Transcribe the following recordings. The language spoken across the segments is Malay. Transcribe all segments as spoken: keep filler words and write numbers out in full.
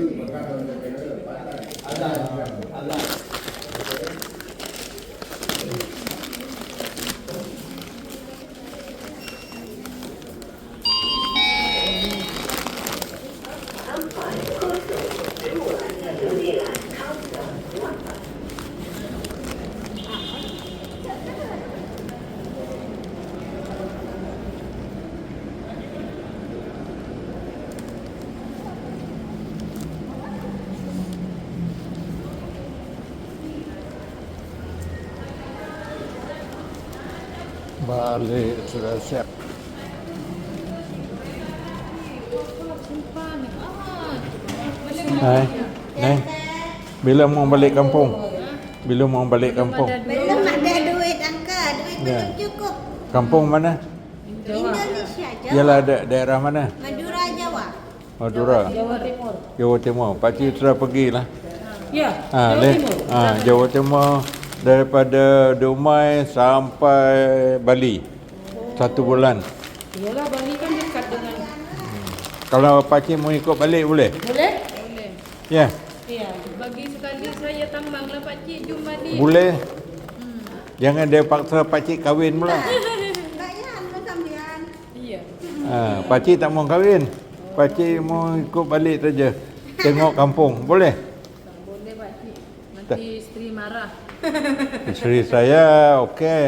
Balik sudah siap. Hai, Neng. Bila mau balik kampung? Bila mau balik kampung? Belum ada duit, Angka. Duit Ya. belum cukup. Kampung mana? Indonesia, Jawa. Ialah ada daerah mana? Madura, Jawa. Madura. Jawa Timur. Jawa Timur. Pakcik sudah pergilah. Ya, Ha, Jawa leh. Timur. Ha, Jawa Timur daripada Dumai sampai Bali. Satu bulan. Iyalah Bali kan dekat dengan. Kalau pakcik mau ikut balik boleh? Boleh? Boleh. Ya, Iya. Bagi sekali saya tambanglah Pak Cik jom balik. boleh. Jangan dia paksa pakcik kahwin pula. Bayan, sambian. Iya. Ha, pakcik tak mau kahwin. Pakcik mau ikut balik saja. Tengok kampung. Boleh? Boleh Pak Cik. Nanti isteri marah. Isteri saya okey.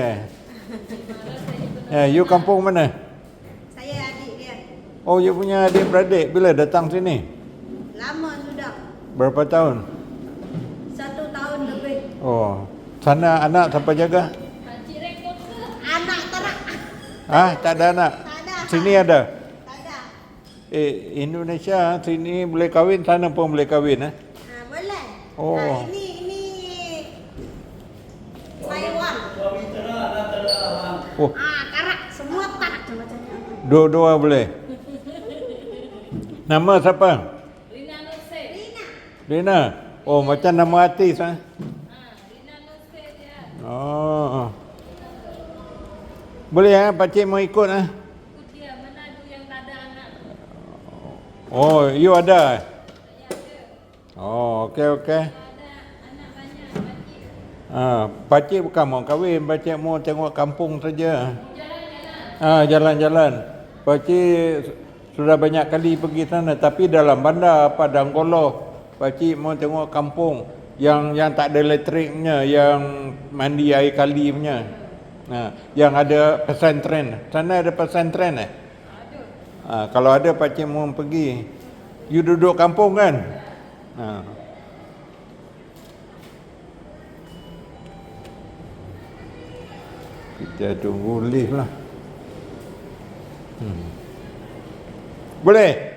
Ya, you kampung mana? Saya adik dia. Oh, you punya adik-beradik bila datang sini? Lama sudah. Berapa tahun? Satu tahun lebih. Oh, sana anak siapa jaga? Pak Cik rekod ke? Anak terak. Ah, tak ada anak. Tak ada. Sini ada. Tak ada. Eh, Indonesia sini boleh kahwin, sana pun boleh kahwin eh. Ha, boleh. Oh. Ha, ini ini Taiwan. Oh, Ah, karak semua tarak macamnya. dua-dua boleh. Nama siapa? Rina Nurse. Rina. Rina. Oh, macam nama artis ah. Ha, Rina Nurse dia. Oh. Boleh ah, pakcik mau ikut ah. Ikut dia Manado yang tak ada anak. Oh, you ada? Saya ada. Oh, okey okey. Ada anak banyak Pak Cik. Ah, pakcik bukan mau kahwin, pakcik mau tengok kampung saja. Jalan-jalan. Ah, jalan-jalan. Pakcik sudah banyak kali pergi sana, tapi dalam bandar Padang Koloh. Pakcik mau tengok kampung yang yang tak ada elektriknya, yang mandi air kali punya. Nah, yang ada pesantren. Sana ada pesantren eh? Ah, kalau ada pakcik mau pergi. You duduk kampung kan? Ah. Kita tunggu lift lah. Hmm. Boleh?